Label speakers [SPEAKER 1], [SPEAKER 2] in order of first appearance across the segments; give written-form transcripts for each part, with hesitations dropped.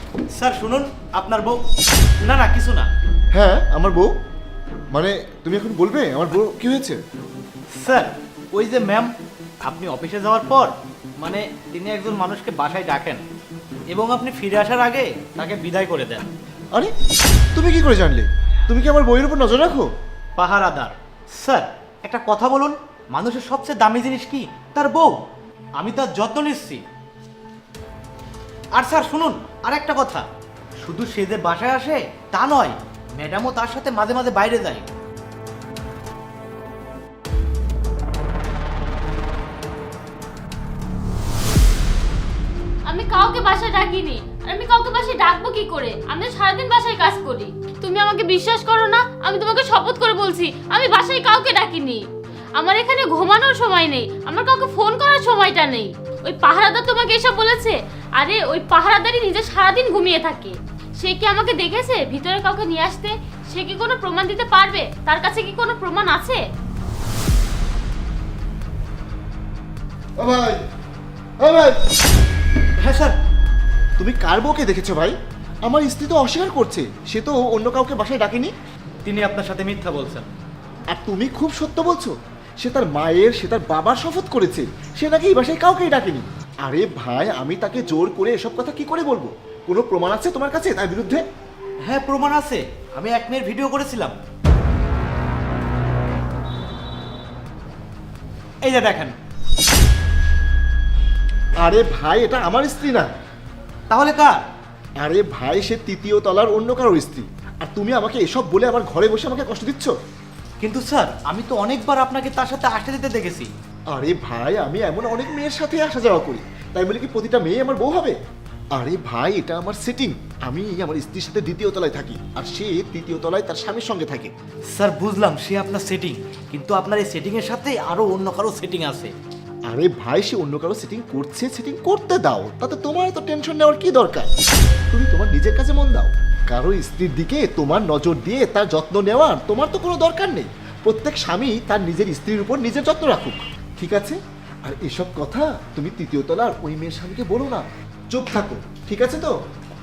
[SPEAKER 1] Sir শুনুন, আপনার বউ। না না, কিছু না
[SPEAKER 2] হ্যাঁ আমার বউ। মানে তুমি এখন বলবে আমার বউ কি হয়েছে?
[SPEAKER 1] স্যার। ওই যে ম্যাম, আপনি অফিসে যাওয়ার পর মানে তিনি একজন মানুষকে বাসায় ডাকেন এবং আপনি ফিরে আসার আগে তাকে বিদায় করে দেন।
[SPEAKER 2] আরে তুমি কি করে জানলে? তুমি কি আমার বইয়ের উপর নজর রাখো?
[SPEAKER 1] পাহারাদার। স্যার একটা কথা বলুন, মানুষের সবচেয়ে দামি জিনিস কি? তার বউ। আমি তার যত্ন নিচ্ছি। আর স্যার শুনুন, আর একটা কথা, শুধু সে যে বাসায় আসে তা নয়, ম্যাডামও তার সাথে মাঝে মাঝে বাইরে যায়।
[SPEAKER 3] আমি কাউকে বাসায় ডাকিনি। আর আমি কাউকে বাসায় ডাকবো কি করে? আমি তো সারাদিন বাসায় কাজ করি। তুমি আমাকে বিশ্বাস করো না? আমি তোমাকে শপথ করে বলছি, আমি বাসায় কাউকে ডাকিনি। আমার এখানে ঘুমানোর সময় নেই, আমার কাউকে ফোন করার সময়টা নেই। ওই পাহারাদার তোমাকে এসব বলেছে? আরে ওই পাহারাদারই নিজে সারাদিন ঘুমিয়ে থাকে। সে কি আমাকে দেখেছে ভিতরে কাউকে নিয়ে আসতে? সে কি কোনো প্রমাণ দিতে পারবে? তার কাছে কি কোনো প্রমাণ আছে?
[SPEAKER 2] ও ভাই, ও ভাই,
[SPEAKER 1] হ্যাঁ স্যার।
[SPEAKER 2] তুমি কার বউকে দেখেছো ভাই? আমার স্ত্রী তো অস্বীকার করছে, সে তো অন্য কাউকে বাসায় ডাকেনি।
[SPEAKER 1] তিনি আপনার সাথে মিথ্যা বলছেন।
[SPEAKER 2] আর তুমি খুব সত্য বলছো। সে তার মায়ের, সে তার বাবার শপথ করেছে সে নাকি এই বাসায় কাউকেই ডাকেনি। আরে ভাই, আমি তাকে জোর করে এসব কথা কি করে বলবো? কোনো প্রমাণ আছে তোমার কাছে তার বিরুদ্ধে?
[SPEAKER 1] হ্যাঁ প্রমাণ আছে, আমি 1 মিনিট ভিডিও করেছিলাম। এই যে দেখেন।
[SPEAKER 2] আরে ভাই, এটা আমার স্ত্রী না।
[SPEAKER 1] তাহলে কার?
[SPEAKER 2] আরে ভাই, সে তৃতীয় তলার অন্য কারোর স্ত্রী। আর তুমি আমাকে এসব বলে আমার ঘরে বসে আমাকে কষ্ট দিচ্ছ।
[SPEAKER 1] কিন্তু স্যার আমি তো অনেকবার আপনাকে তার সাথে আসতে দিতে দেখেছি।
[SPEAKER 2] আরে ভাই, আমি এমন অনেক মেয়ের সাথে আসা যাওয়া করি, তাই বলে কি প্রতিটা মেয়ে আমার বউ হবে? আরে ভাই, এটা আমার সেটিং। আমি আমার স্ত্রীর সাথে দ্বিতীয় তলায় থাকি, আর সে তৃতীয় তলায় তার স্বামীর সঙ্গে থাকে।
[SPEAKER 1] স্যার বুঝলাম সে আপনার সেটিং, কিন্তু আপনার এই সেটিং এর সাথে আরো অন্য কারো সেটিং আছে।
[SPEAKER 2] আরে ভাই, সে অন্য কারো সেটিং করছে, সেটিং করতে দাও, তাতে তোমার এত টেনশন নেওয়ার কি দরকার? তুমি তোমার নিজের কাছে মন দাও। কারো স্ত্রীর দিকে তোমার নজর দিয়ে তার যত্ন নেওয়ার তোমার তো কোনো দরকার নেই। প্রত্যেক স্বামী তার নিজের স্ত্রীর উপর নিজের যত্ন রাখুক, ঠিক আছে? আর এসব কথা তুমি তৃতীয় তলার ওই মেয়ের স্বামীকে বলো না। চুপ থাকো, ঠিক আছে তো?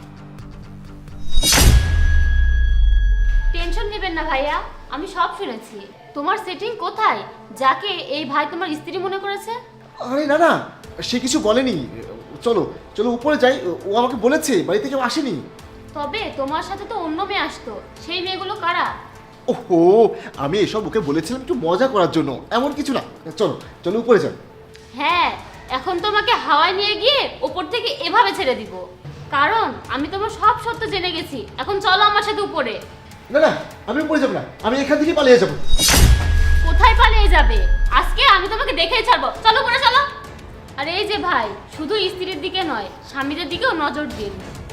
[SPEAKER 3] টেনশন নেবেন না ভাইয়া, আমি সব শুনেছি। তোমার সেটিং কোথায়, যাকে এই ভাই তোমার স্ত্রী মনে করেছে?
[SPEAKER 2] আরে না না, সে কিছু বলেনি। চলো চলো উপরে যাই, ও আমাকে বলেছে বাড়িতে কেউ আসেনি।
[SPEAKER 3] তবে তোমার সাথে তো অন্য মেয়ে আসতো, সেই মেয়েগুলো কারা?
[SPEAKER 2] ওহো, আমি এসব ওকে বলেছিলাম একটু মজা করার জন্য, এমন কিছু না। চলো চলো উপরে যান।
[SPEAKER 3] হ্যাঁ, এখন তোমাকে হাওয়ায় নিয়ে গিয়ে ওপর থেকে এভাবে ছেড়ে দিব, কারণ আমি তোমার সব সত্য জেনে গেছি। এখন চলো আমার সাথে উপরে।
[SPEAKER 2] না না, আমি উপরে যাবো না, আমি এখান থেকে পালিয়ে যাবো।
[SPEAKER 3] কোথায় পালিয়ে যাবে? আজকে আমি তোমাকে দেখেই ছাড়বো, চলো উপরে চলো। আর এই যে ভাই, শুধু স্ত্রীর দিকে নয়, স্বামীদের দিকেও নজর দিন।